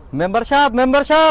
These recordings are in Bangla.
মেম্বার সাহেব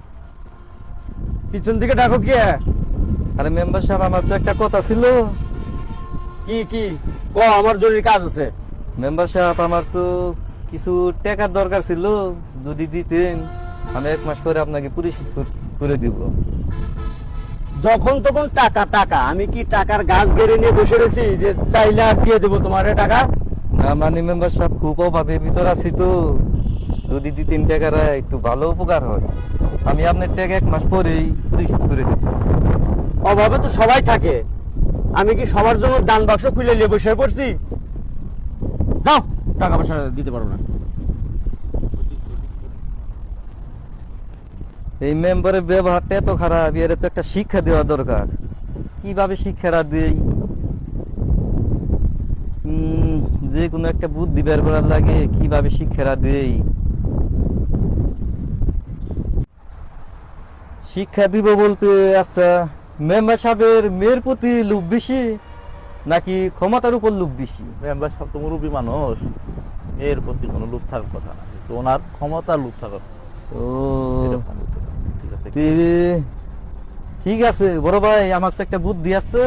পিছন থেকে ডাকো কি? আরে মেম্বার সাহেব, আমার তো একটা কথা ছিল। কি কি ক, আমার জরুরি কাজ আছে। মেম্বার সাহেব, আমার তো কিছু টাকার দরকার ছিল, যদি দিতেন আমি 1 মাস পরে আপনাকে পরিশোধ করে দিব। যখন তখন টাকা টাকা, আমি কি টাকার গাছ গেড়ে নিয়ে বসে রয়েছি যে চাইলে আর দিয়ে দেবো তোমার টাকা? না মানে মেম্বার সাহেব, খুব অভাবের ভিতর আছি তো, যদি দিতেন টাকার একটু ভালো উপকার হয়। আমি আপনার টাকা 1 মাস পরেই পরিশোধ করে দেব। অভাবে তো সবাই থাকে, আমি কি সবার জন্য দান বাক্স খুলে নিয়ে বসে পড়ছি? যাও, টাকা পয়সা দিতে পারবো না। এই মেম্বারের ব্যবহারটা এত খারাপ, এর তো একটা শিক্ষা দেওয়া দরকার। কিভাবে শিক্ষাটা দেই? যে কোনো একটা বুদ্ধি বের করার লাগে, কিভাবে শিক্ষাটা দেই। শিক্ষা দিব বলতে, আচ্ছা মেম্বার সাহেবের মেয়ের প্রতি লোভ বেশি নাকি ক্ষমতার উপর লোভ বেশি? মেম্বার সাহেব তো মুরব্বী মানুষ, এর প্রতি কোনো লোভ থাকার কথা না, কিন্তু ওনার ক্ষমতা লোভ থাকার কথা। ও এরকম হতে পারে। ঠিক আছে, ঠিক আছে বড় ভাই, আমার তো একটা বুদ্ধি আছে।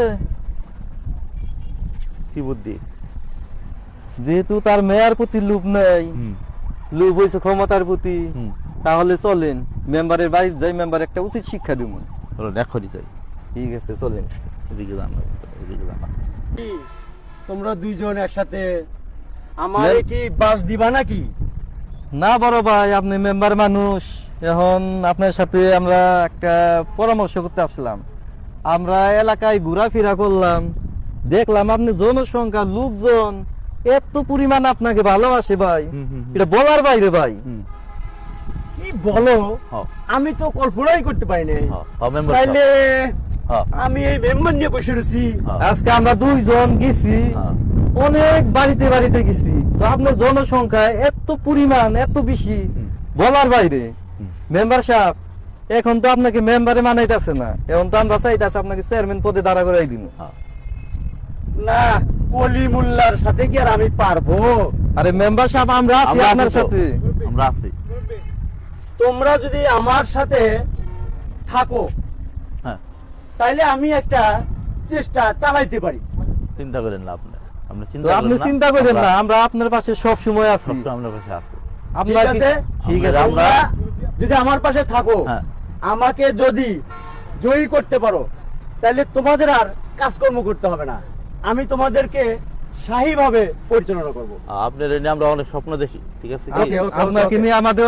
কি বুদ্ধি? যেহেতু তার মেয়ের প্রতি লোভ নেই, লোভ হয়েছে ক্ষমতার প্রতি, তাহলে চলেন মেম্বারের বাড়ি যাই, মেম্বার একটা উচিত শিক্ষা দিব। এখনই যাই। ঠিক আছে, চলেন। এদিকে যান, এদিকে যান। কি, তোমরা দুইজন একসাথে আমারে কি বাস দিবা নাকি? না বড় ভাই, আপনি মেম্বার মানুষ, এখন আপনার সাথে আমরা একটা পরামর্শ করতে আসলাম। আমরা এলাকায় ঘোরাফেরা করলাম, দেখলাম আপনি জনসংখ্যা লোকজন এত পরিমাণ আপনাকে ভালোবাসে ভাই, এটা বলার বাইরে ভাই। কি বলো? হ্যাঁ। আমি তো কল্পনাই করতে পারি না। মেম্বার তাইলে হ্যাঁ। আমি এই মেম্বার নিয়ে বসে রয়েছি। আজকে আমরা 2 জন গেছি, অনেক বাড়িতে বাড়িতে গেছি, তো আপনার জনসংখ্যা এত পরিমাণ এত বেশি, বলার বাইরে। মেম্বার সাহেব, এখন তো আপনাকে মেম্বারে মানাইতেছে না, এখন তো আমরা চাইতেছি আপনাকে চেয়ারম্যান পদে দাঁড়া করাই দিন। না, কলি মোল্লার সাথে কি আর আমি পারবো? আরে মেম্বার সাহেব, আমরা আছি আপনার সাথে। আমরা আছি। তোমরা যদি আমার সাথে থাকো, হ্যাঁ, তাইলে আমি একটা চেষ্টা চালাইতে পারি। চিন্তা করেন না আপনি, আপনি তো আপনি চিন্তা করেন না, আমরা আপনার পাশে সব সময় আছি। সবসময় আপনার পাশে আছি। ঠিক আপনার আছে, ঠিক আছে। তোমরা যদি আমার পাশে থাকো, হ্যাঁ। আমাকে যদি জয়ী করতে পারো, তাহলে তোমাদের আর কাজকর্ম করতে হবে না, আমি তোমাদেরকে শাহীভাবে পরিচালনা করবো। আপনার এনে আমরা অনেক স্বপ্ন দেখি। ঠিক আছে কি? Okay, okay, আপনাকে okay. নিয়ে আমাদের